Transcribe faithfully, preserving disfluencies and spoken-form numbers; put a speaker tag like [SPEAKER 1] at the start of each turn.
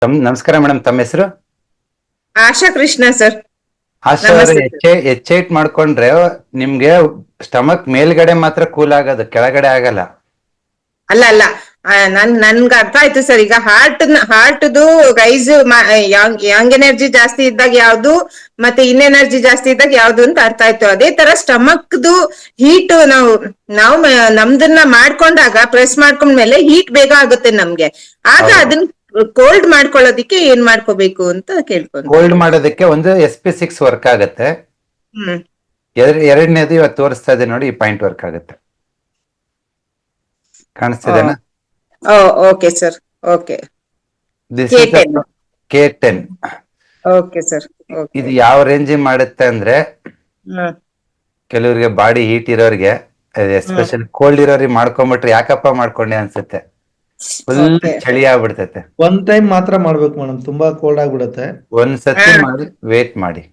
[SPEAKER 1] ತಮ್ ನಮಸ್ಕಾರ ಮೇಡಮ್, ತಮ್ಮ ಹೆಸರು?
[SPEAKER 2] ಆಶಾ ಕೃಷ್ಣ ಸರ್.
[SPEAKER 1] ಆಶಾ ಅವ್ರೆ,
[SPEAKER 2] ನಮಸ್ತೆ ಸರ್.
[SPEAKER 1] ಎಚ್ ಎಚ್ ಐಟ್ ಮಾಡ್ಕೊಂಡ್ರೆ ನಿಮ್ಗೆ ಸ್ಟಮಕ್ ಮೇಲ್ಗಡೆ ಮಾತ್ರ ಕೂಲ್ ಆಗೋದು, ಕೆಳಗಡೆ ಆಗಲ್ಲ.
[SPEAKER 2] ಅಲ್ಲ ಅಲ್ಲ ಆ, ನನ್ ನನ್ಗೆ ಅರ್ಥ ಆಯ್ತು ಸರ್. ಈಗ ಹಾರ್ಟ್ ಹಾರ್ಟ್ದು ರೈಸ್ ಯಂಗ್ ಎನರ್ಜಿ ಜಾಸ್ತಿ ಇದ್ದಾಗ ಯಾವ್ದು, ಮತ್ತೆ ಇನ್ ಎನರ್ಜಿ ಜಾಸ್ತಿ ಇದ್ದಾಗ ಯಾವ್ದು ಅಂತ ಅರ್ಥ ಆಯ್ತು. ಅದೇ ತರ ಸ್ಟಮಕ್ದು ಹೀಟ್ ನಾವು ನಾವು ಮ- ನಮ್ದನ್ನ ಮಾಡ್ಕೊಂಡಾಗ ಪ್ರೆಸ್ ಮಾಡ್ಕೊಂಡ್ಮೇಲೆ ಹೀಟ್ ಬೇಗ ಆಗುತ್ತೆ ನಮ್ಗೆ. ಆಗ
[SPEAKER 1] ಹೌದು.
[SPEAKER 2] ಅದನ್ನ ಕೋಲ್ಡ್ ಮಾಡ್ಕೊಳ್ಳೋದಿಕ್ಕೆ ಏನ್ ಮಾಡ್ಕೋಬೇಕು ಅಂತ ಕೇಳ್ಕೊಂತ
[SPEAKER 1] ಕೋಲ್ಡ್
[SPEAKER 2] ಇದ್ದೀನಿ.
[SPEAKER 1] ಮಾಡೋದಕ್ಕೆ ಒಂದು ಎಸ್ ಪಿ ಸಿಕ್ಸ್ ವರ್ಕ್ ಆಗುತ್ತೆ.
[SPEAKER 2] ಹ್ಮ್.
[SPEAKER 1] ಎರ- ಎರಡನೇದು ಇವತ್ತು ತೋರಿಸ್ತಾ ಇದೆ ನೋಡಿ, ಈ ಪಾಯಿಂಟ್ ವರ್ಕ್ ಆಗುತ್ತೆ. ಕಾಣಿಸ್ತಿದೆನಾ?
[SPEAKER 2] Okay sir. Okay.
[SPEAKER 1] This
[SPEAKER 2] K
[SPEAKER 1] is
[SPEAKER 2] ten.
[SPEAKER 1] K ten.
[SPEAKER 2] Okay sir. Okay.
[SPEAKER 1] ಇದು ಯಾವ ರೇಂಜ್ ಮಾಡುತ್ತೆ ಅಂದ್ರೆ,
[SPEAKER 2] ಹ್ಮ್.
[SPEAKER 1] ಕೆಲವರಿಗೆ ಬಾಡಿ ಹೀಟ್ ಇರೋರಿಗೆ, ಎಸ್ಪೆಷಲಿ ಕೋಲ್ಡ್ ಇರೋರಿಗೆ ಮಾಡ್ಕೊಂಡ್ಬಿಟ್ರೆ ಯಾಕಪ್ಪ ಮಾಡ್ಕೊಂಡೆ ಅನ್ಸುತ್ತೆ. Full
[SPEAKER 2] okay.
[SPEAKER 1] ಚಳಿ ಆಗ್ಬಿಡ್ತೈತೆ.
[SPEAKER 3] ಒಂದ್ ಟೈಮ್ ಮಾತ್ರ ಮಾಡ್ಬೇಕು ಮೇಡಮ್, ತುಂಬಾ ಕೋಲ್ಡ್ ಆಗ್ಬಿಡತ್ತೆ.
[SPEAKER 1] ಒಂದ್ಸತಿ
[SPEAKER 2] ಹಾ.
[SPEAKER 1] ಮಾಡಿ ವೇಟ್ ಮಾಡಿ.